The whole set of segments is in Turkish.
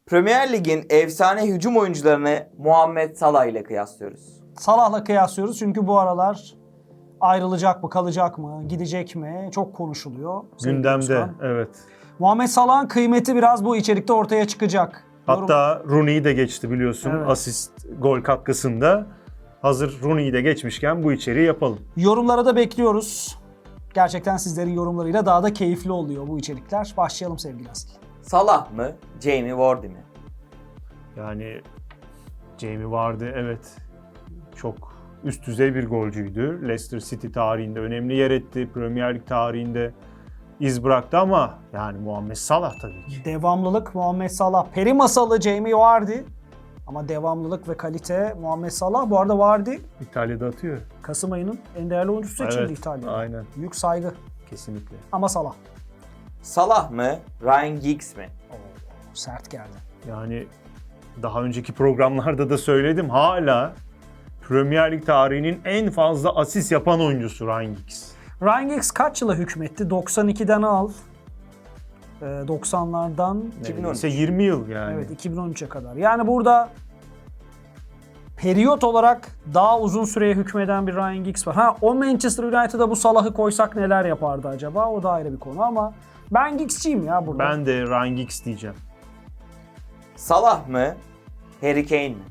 Premier Lig'in efsane hücum oyuncularını Muhammed Salah ile kıyaslıyoruz. Salah'la kıyaslıyoruz çünkü bu aralar ayrılacak mı, kalacak mı, gidecek mi çok konuşuluyor. Gündemde, evet. Muhammed Salah'ın kıymeti biraz bu içerikte ortaya çıkacak. Hatta Rooney'i de geçti biliyorsun, Evet. asist, gol katkısında. Hazır Rooney'i de geçmişken bu içeriği yapalım. Yorumlara da bekliyoruz. Gerçekten sizlerin yorumlarıyla daha da keyifli oluyor bu içerikler. Başlayalım sevgili Asil. Salah mı, Jamie Vardy mi? Yani Jamie Vardy evet çok üst düzey bir golcüydü. Leicester City tarihinde önemli yer etti. Premier Lig tarihinde iz bıraktı ama yani Muhammed Salah tabii ki. Devamlılık Muhammed Salah. Peri masalı Jamie Vardy. Ama devamlılık ve kalite Muhammed Salah. Bu arada Vardy İtalya'da atıyor. Kasım ayının en değerli oyuncusu seçildi Evet, İtalya'da. aynen. Büyük saygı. Kesinlikle. Ama Salah. Salah mı, Ryan Giggs mi? Sert geldi. Yani daha önceki programlarda da söyledim. Hala Premier Lig tarihinin en fazla asist yapan oyuncusu Ryan Giggs. Ryan Giggs kaç yıla hükmetti? 92'den al. 90'lardan 2013. İşte 20 yıl yani. evet 2013'e kadar. Yani burada periyot olarak daha uzun süreye hükmeden bir Ryan Giggs var. O Manchester United'a bu Salah'ı koysak neler yapardı acaba? O da ayrı bir konu ama ben Giggs'ciyim ya burada. Ben de Ryan Giggs diyeceğim. Salah mı, Harry Kane mi?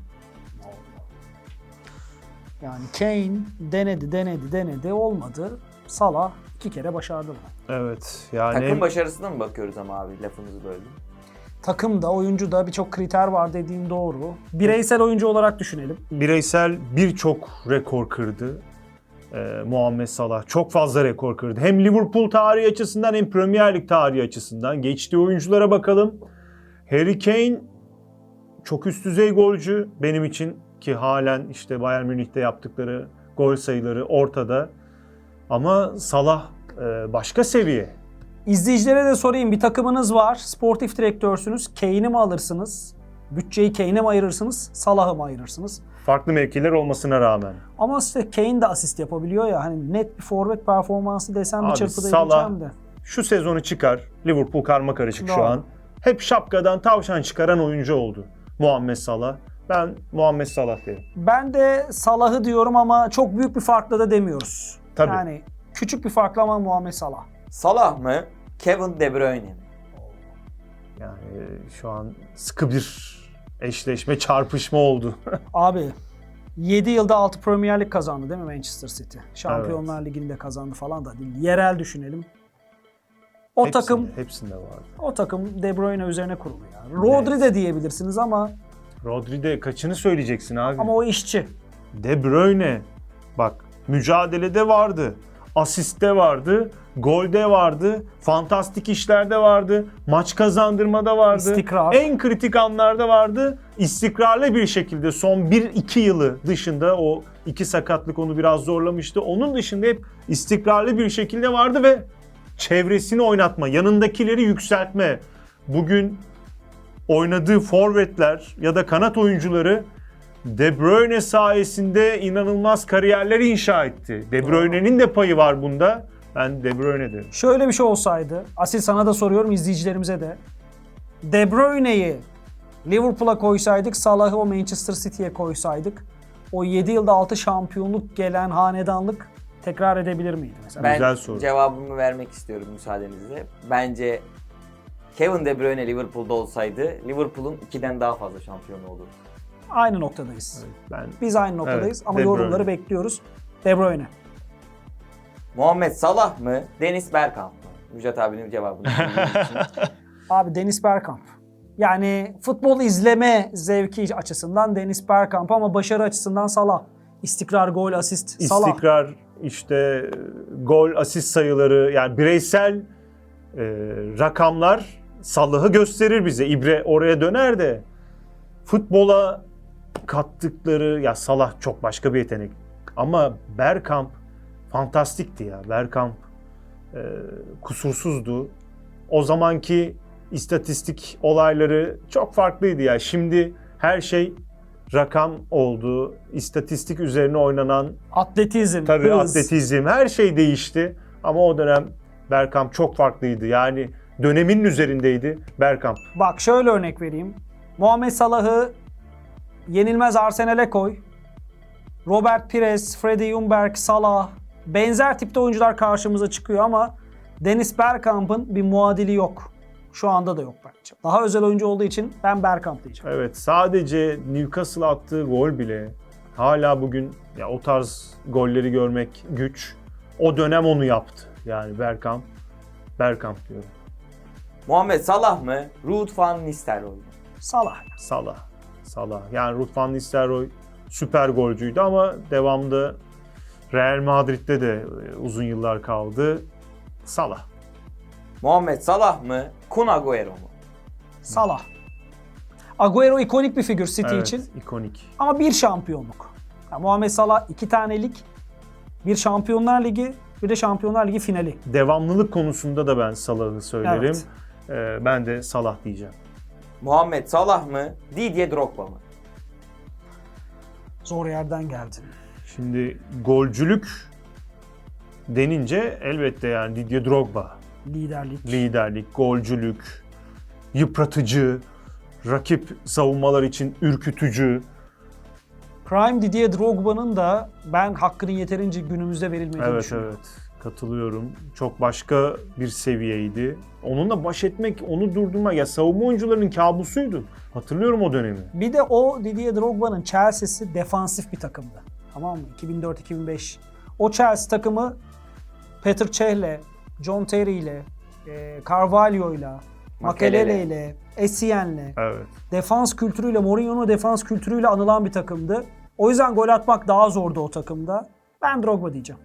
Yani Kane denedi olmadı. Salah 2 kere başardı bunu. Evet yani Takım başarısına mı bakıyoruz ama abi, lafınızı böldüm. Takımda, oyuncuda birçok kriter var dediğin doğru. Bireysel oyuncu olarak düşünelim. bireysel birçok rekor kırdı. Muhammed Salah çok fazla rekor kırdı. Hem Liverpool tarihi açısından hem Premier Lig tarihi açısından. Geçtiği oyunculara bakalım. Harry Kane çok üst düzey golcü benim için ki halen işte Bayern Münih'te yaptıkları gol sayıları ortada. Ama Salah başka seviye. İzleyicilere de sorayım. Bir takımınız var. Sportif direktörsünüz. Kane'i mi alırsınız? Bütçeyi Kane'e mi ayırırsınız? Salah'ı mı ayırırsınız? Farklı mevkiler olmasına rağmen. Ama işte Kane de asist yapabiliyor ya. Hani net bir forvet performansı desem bir Abi çırpıda Salah edeceğim de. şu sezonu çıkar. Liverpool karma karışık şu Doğru. an. Hep şapkadan tavşan çıkaran oyuncu oldu Muhammed Salah. Ben Muhammed Salah derim. Ben de Salah'ı diyorum ama çok büyük bir farkla da demiyoruz. Tabii. Yani küçük bir farkla ama Muhammed Salah. Salah mı, Kevin De Bruyne mi? Yani şu an sıkı bir eşleşme, çarpışma oldu. Abi 7 yılda 6 Premier Lig kazandı değil mi Manchester City? Şampiyonlar Ligi'ni de kazandı falan da değil. Yerel düşünelim. Hepsinde vardı. O takım De Bruyne üzerine kurulu ya. Rodri de diyebilirsiniz ama Rodri'de kaçını söyleyeceksin abi? o işçi. De Bruyne bak mücadelede vardı, asiste vardı, golde vardı, fantastik işlerde vardı, maç kazandırmada vardı. İstikrar. En kritik anlarda vardı. İstikrarlı bir şekilde son 1-2 yılı dışında o 2 sakatlık onu biraz zorlamıştı. Onun dışında hep istikrarlı bir şekilde vardı ve çevresini oynatma, yanındakileri yükseltme. Bugün oynadığı forvetler ya da kanat oyuncuları De Bruyne sayesinde inanılmaz kariyerler inşa etti. De Bruyne'nin de payı var bunda. Ben De Bruyne derim. Şöyle bir şey olsaydı, Asil sana da soruyorum izleyicilerimize de. De Bruyne'yi Liverpool'a koysaydık, Salah'ı o Manchester City'ye koysaydık, o 7 yılda 6 şampiyonluk gelen hanedanlık tekrar edebilir miydi mesela? Ben Güzel soru. cevabımı vermek istiyorum müsaadenizle. Bence Kevin De Bruyne Liverpool'da olsaydı Liverpool'un 2'den daha fazla şampiyonu olurdu. Aynı noktadayız. Ben Biz aynı noktadayız Evet, ama De yorumları Bruyne. bekliyoruz. De Bruyne. Muhammed Salah mı, Dennis Bergkamp mı? Müjdat abinin cevabını bildiğim için. Abi Dennis Bergkamp. Yani futbol izleme zevki açısından Dennis Bergkamp ama başarı açısından Salah. İstikrar, gol, asist, Salah. istikrar, işte gol, asist sayıları yani bireysel rakamlar Salah'ı gösterir bize. İbre oraya döner de futbola kattıkları ya Salah çok başka bir yetenek. Ama Bergkamp fantastikti ya. Bergkamp kusursuzdu. O zamanki istatistik olayları çok farklıydı ya. Şimdi her şey rakam oldu. İstatistik üzerine oynanan Atletizm, tabii hız. atletizm her şey değişti. Ama o dönem Bergkamp çok farklıydı. Yani döneminin üzerindeydi Bergkamp. Bak şöyle örnek vereyim. Muhammed Salah'ı yenilmez Arsenal'e koy. Robert Pires, Freddie Ljungberg, Salah benzer tipte oyuncular karşımıza çıkıyor ama Dennis Bergkamp'ın bir muadili yok. Şu anda da yok bence. Daha özel oyuncu olduğu için ben Bergkamp diyeceğim. Evet, sadece Newcastle attığı gol bile hala bugün ya o tarz golleri görmek güç. O dönem onu yaptı. Yani Bergkamp diyorum. Muhammed Salah mı? Ruud van Nistelrooy mu? Salah. Salah. Yani Ruud van Nistelrooy süper golcüydü ama devamında Real Madrid'de de uzun yıllar kaldı. Salah. Muhammed Salah mı? Kun Agüero mu? Salah. Agüero ikonik bir figür City Evet, için ikonik. ama bir şampiyonluk. Yani Muhammed Salah 2 tane lig, bir Şampiyonlar Ligi, bir de Şampiyonlar Ligi finali. Devamlılık konusunda da ben Salah'ı söylerim. Evet. Ben de Salah diyeceğim. Muhammed Salah mı? Didier Drogba mı? Zor yerden geldin. Şimdi golcülük denince elbette yani Didier Drogba. Liderlik, golcülük, yıpratıcı, rakip savunmalar için ürkütücü. Prime Didier Drogba'nın da ben hakkının yeterince günümüzde verilmediğini düşünüyorum. Evet, katılıyorum. Çok başka bir seviyeydi. Onunla baş etmek, onu durdurmak ya savunma oyuncularının kabusuydu. Hatırlıyorum o dönemi. Bir de o Didier Drogba'nın Chelsea'si defansif bir takımdı. Tamam mı? 2004-2005. O Chelsea takımı Petr Cech'le, John Terry'le, Carvalho'yla, Makelele'yle, Essien'le, Evet. defans kültürüyle, Mourinho'nun defans kültürüyle anılan bir takımdı. O yüzden gol atmak daha zordu o takımda. Ben Drogba diyeceğim.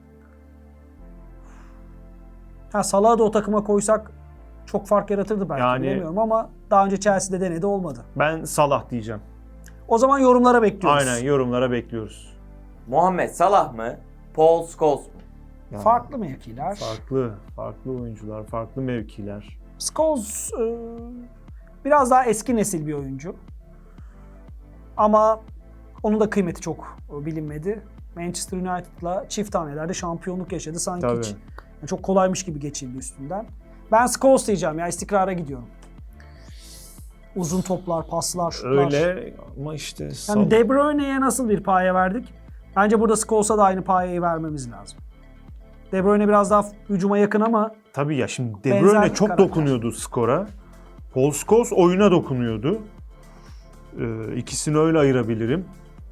Salah'ı da o takıma koysak çok fark yaratırdı belki, Yani- bilemiyorum ama daha önce Chelsea'de denedi, olmadı. Ben Salah diyeceğim. O zaman yorumlara bekliyoruz. Aynen, yorumlara bekliyoruz. Muhammed Salah mı? Paul Scholes mu? Yani Farklı mevkiler. farklı oyuncular, farklı mevkiler. Scholes biraz daha eski nesil bir oyuncu. Ama onun da kıymeti çok bilinmedi. Manchester United'la çift hanelerde şampiyonluk yaşadı. Sanki Tabii. hiç çok kolaymış gibi geçildi üstünden. Ben Scholes diyeceğim ya, istikrara gidiyorum. Uzun toplar, paslar, şutlar. Öyle ama işte Yani De Bruyne'ye nasıl bir paye verdik? Bence burada Scholes'a da aynı payeyi vermemiz lazım. De Bruyne biraz daha hücuma yakın ama tabii ya şimdi De Benzer Bruyne çok karakter. dokunuyordu skora. Paul Scholes oyuna dokunuyordu. İkisini öyle ayırabilirim.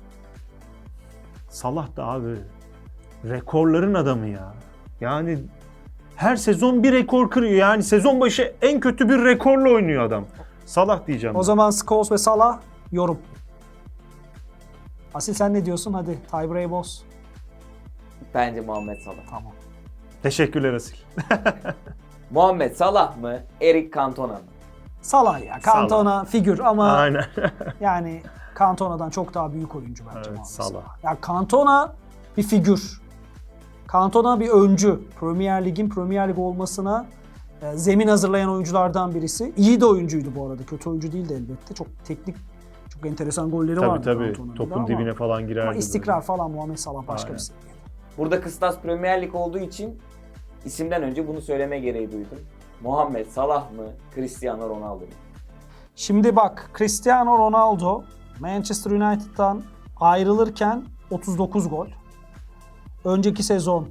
Salah da abi rekorların adamı ya. Yani her sezon bir rekor kırıyor. Yani sezon başı en kötü bir rekorla oynuyor adam. Salah diyeceğim. o zaman Scholes ve Salah yorum. Asil sen ne diyorsun? Hadi tiebreak boss. Bence Muhammed Salah. Tamam. Teşekkürler Asil. Muhammed Salah mı? Eric Cantona mı? Salah ya. Cantona figür ama Aynen. yani Cantona'dan çok daha büyük oyuncu bence Evet, Muhammed Salah. Ya Cantona bir figür. Cantona bir öncü. Premier Lig olmasına zemin hazırlayan oyunculardan birisi. İyi de oyuncuydu bu arada. Kötü oyuncu değildi elbette. Çok teknik, çok enteresan golleri vardı Tabii Cantona'nın da topun ama- dibine falan girerdi. Ama istikrar falan Muhammed Salah başka Aynen. bir seviye. Burada kıstas Premier Lig olduğu için isimden önce bunu söyleme gereği duydum. Muhammed Salah mı? Cristiano Ronaldo mu? Şimdi bak, Cristiano Ronaldo Manchester United'dan ayrılırken 39 gol. Önceki sezon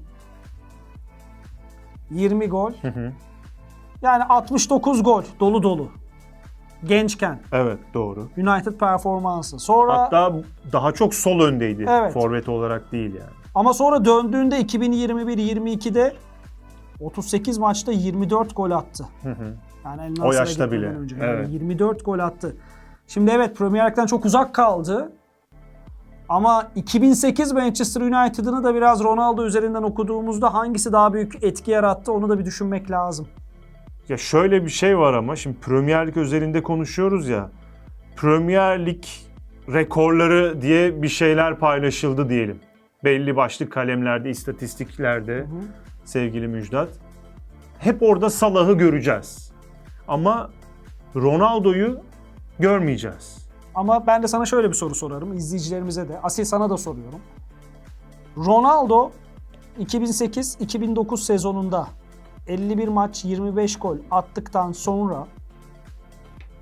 20 gol. Hı. Yani 69 gol dolu dolu. Gençken Evet, doğru. United performansı. Sonra Hatta daha çok sol öndeydi. Evet. Forvet olarak değil yani. ama sonra döndüğünde 2021-22'de 38 maçta 24 gol attı. Hı hı. Yani El O Nasır'a yaşta gitmeden bile. önce. Yani Evet. 24 gol attı. Şimdi evet, Premier Lig'den çok uzak kaldı. Ama 2008 Manchester United'ını da biraz Ronaldo üzerinden okuduğumuzda hangisi daha büyük etki yarattı onu da bir düşünmek lazım. Ya şöyle bir şey var ama şimdi Premier Lig özelinde konuşuyoruz ya. Premier Lig rekorları diye bir şeyler paylaşıldı diyelim. Belli başlı kalemlerde, istatistiklerde sevgili Müjdat. Hep orada Salah'ı göreceğiz. Ama Ronaldo'yu görmeyeceğiz. Ama ben de sana şöyle bir soru sorarım, izleyicilerimize de. Asil sana da soruyorum. Ronaldo 2008-2009 sezonunda 51 maç 25 gol attıktan sonra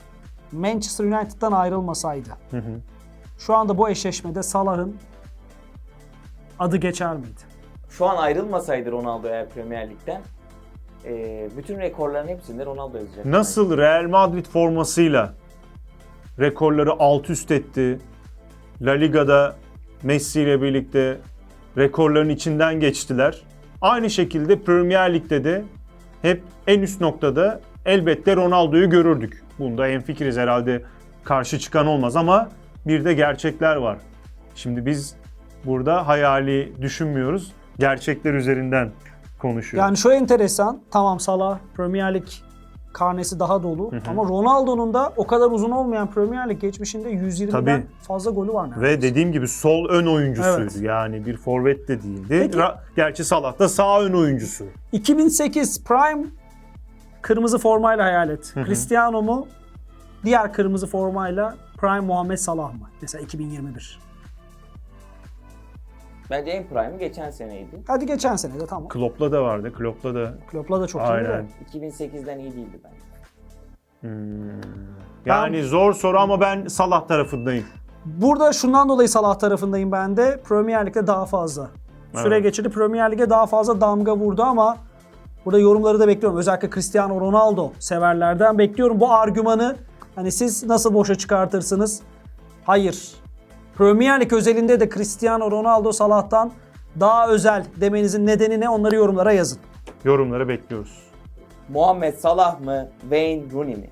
Manchester United'dan ayrılmasaydı, şu anda bu eşleşmede Salah'ın adı geçer miydi? Şu an ayrılmasaydı Ronaldo eğer Premier Lig'den bütün rekorların hepsinde Ronaldo yazacak. Nasıl Real Madrid formasıyla rekorları alt üst etti. La Liga'da Messi ile birlikte rekorların içinden geçtiler. Aynı şekilde Premier Lig'de de hep en üst noktada elbette Ronaldo'yu görürdük. Bunda hemfikiriz herhalde, karşı çıkan olmaz ama bir de gerçekler var. Şimdi biz burada hayali düşünmüyoruz. Gerçekler üzerinden konuşuyoruz. Yani şu enteresan, tamam Salah Premier Lig karnesi daha dolu ama Ronaldo'nun da o kadar uzun olmayan Premier Lig geçmişinde 120'den Tabii. fazla golü var neredeyse. Ve dediğim gibi sol ön oyuncusuydu. Evet. Yani bir forvet de değildi. Peki. Gerçi Salah da sağ ön oyuncusu. 2008 Prime kırmızı formayla hayal et. Cristiano mu? Diğer kırmızı formayla Prime Muhammed Salah mı? Mesela 2021. Bence en prime'ı geçen seneydi. Hadi geçen sene de tamam. Klopp'la da vardı. Klopp'la da Klopp'la da çok iyi aynen. de. 2008'den iyi değildi bence. Yani zor soru ama ben Salah tarafındayım. Burada şundan dolayı Salah tarafındayım ben de. Premier Lig'de daha fazla süre geçirdi. Premier Lig'e daha fazla damga vurdu ama burada yorumları da bekliyorum. Özellikle Cristiano Ronaldo severlerden bekliyorum bu argümanı. Hani siz nasıl boşa çıkartırsınız? Hayır. Premier Lig özelinde de Cristiano Ronaldo Salah'tan daha özel demenizin nedeni ne? Onları yorumlara yazın. Yorumları bekliyoruz. Muhammed Salah mı? Wayne Rooney mi?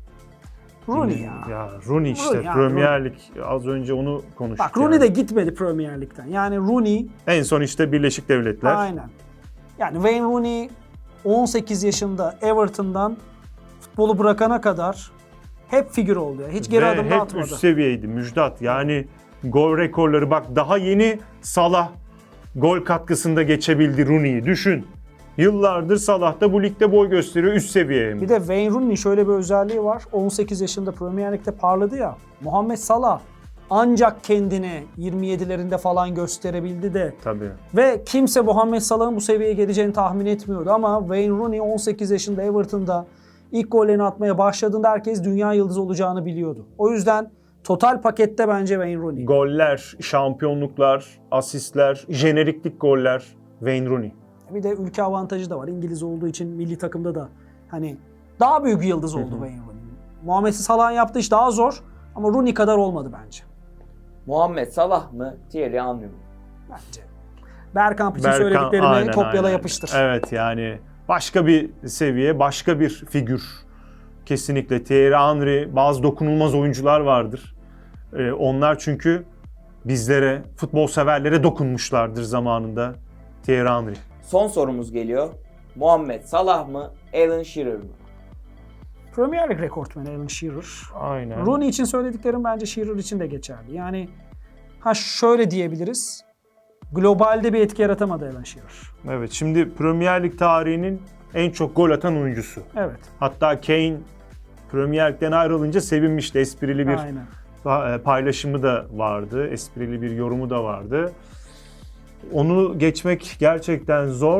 Rooney ya. Ya Rooney işte Rooney ya, Premier Lig. Az önce onu konuştuk. Bak Rooney de gitmedi Premier Lig'den. Yani Rooney En son işte Birleşik Devletler. aynen. Yani Wayne Rooney 18 yaşında Everton'dan futbolu bırakana kadar hep figür oldu. Ya. Hiç geri Ve adım da hep atmadı. üst seviyeydi Müjdat. Yani gol rekorları, bak daha yeni Salah gol katkısında geçebildi Rooney'i. Düşün. Yıllardır Salah da bu ligde boy gösteriyor, üst seviyeye mi? Bir de Wayne Rooney'nin şöyle bir özelliği var. 18 yaşında Premier Lig'de parladı ya. Muhammed Salah ancak kendini 27'lerinde falan gösterebildi de. Tabii. Ve kimse Muhammed Salah'ın bu seviyeye geleceğini tahmin etmiyordu ama Wayne Rooney 18 yaşında Everton'da ilk gollerini atmaya başladığında herkes dünya yıldızı olacağını biliyordu. O yüzden total pakette bence Wayne Rooney. Goller, şampiyonluklar, asistler, jeneriklik goller Wayne Rooney. Bir de ülke avantajı da var. İngiliz olduğu için milli takımda da hani daha büyük yıldız oldu Wayne Rooney. Muhammed Salah'ın yaptığı iş daha zor ama Rooney kadar olmadı bence. Muhammed Salah mı? Thierry Henry mi? Bence. Bergkamp için söylediklerimi aynen, kopyala aynen. yapıştır. Evet yani başka bir seviye, başka bir figür. Kesinlikle Thierry Henry, bazı dokunulmaz oyuncular vardır. Onlar çünkü bizlere, futbol severlere dokunmuşlardır zamanında. Thierry Henry. Son sorumuz geliyor. Muhammed Salah mı? Alan Shearer mı? Premier Lig rekortmeni Alan Shearer. Aynen. Rooney için söylediklerim bence Shearer için de geçerli. Yani şöyle diyebiliriz. Globalde bir etki yaratamadı Alan Shearer. Evet, şimdi Premier Lig tarihinin en çok gol atan oyuncusu. Evet. Hatta Kane Premier Lig'den ayrılınca sevinmişti. Esprili bir Aynen. paylaşımı da vardı. Esprili bir yorumu da vardı. Onu geçmek gerçekten zor.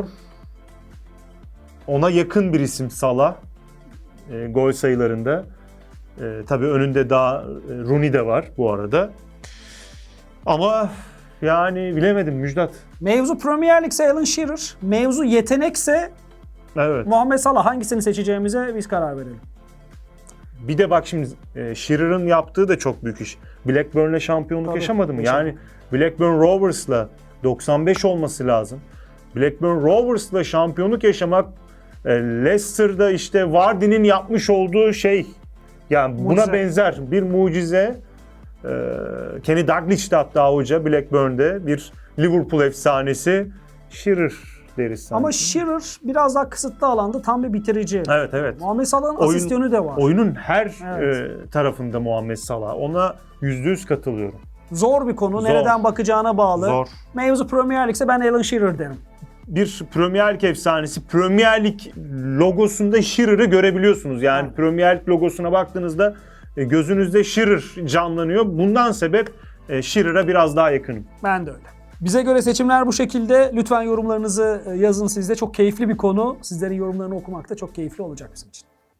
Ona yakın bir isim Salah. Gol sayılarında. Tabii önünde daha Rooney de var bu arada. Ama yani bilemedim Müjdat. Mevzu Premier Lig'se Alan Shearer, mevzu yetenekse Evet. Muhammed Salah, hangisini seçeceğimize biz karar verelim. Bir de bak şimdi Shearer'ın yaptığı da çok büyük iş. Blackburn'le şampiyonluk Tabii, yaşamadı mı? yaşamadı. Yani Blackburn Rovers'la 95 olması lazım. Blackburn Rovers'la şampiyonluk yaşamak Leicester'da işte Vardy'nin yapmış olduğu şey. Yani buna Mucize. benzer bir mucize. Kenny Dalglish de hatta hoca Blackburn'de bir Liverpool efsanesi. Shearer deriz sanki. Ama Shearer biraz daha kısıtlı alanda tam bir bitirici. Evet evet. Muhammed Salah'ın asist yönü de var. Oyunun her Evet. tarafında Muhammed Salah. Ona %100 katılıyorum. Zor bir konu. Zor. Nereden bakacağına bağlı. Zor. Mevzu Premier Lig'se ben Alan Shearer derim. Bir Premier Lig efsanesi. Premier Lig logosunda Shearer'ı görebiliyorsunuz. Yani Evet. Premier Lig logosuna baktığınızda gözünüzde Shearer canlanıyor. Bundan sebep Shearer'a biraz daha yakınım. Ben de öyle. Bize göre seçimler bu şekilde. Lütfen yorumlarınızı yazın siz de. Çok keyifli bir konu. Sizlerin yorumlarını okumak da çok keyifli olacak bizim için.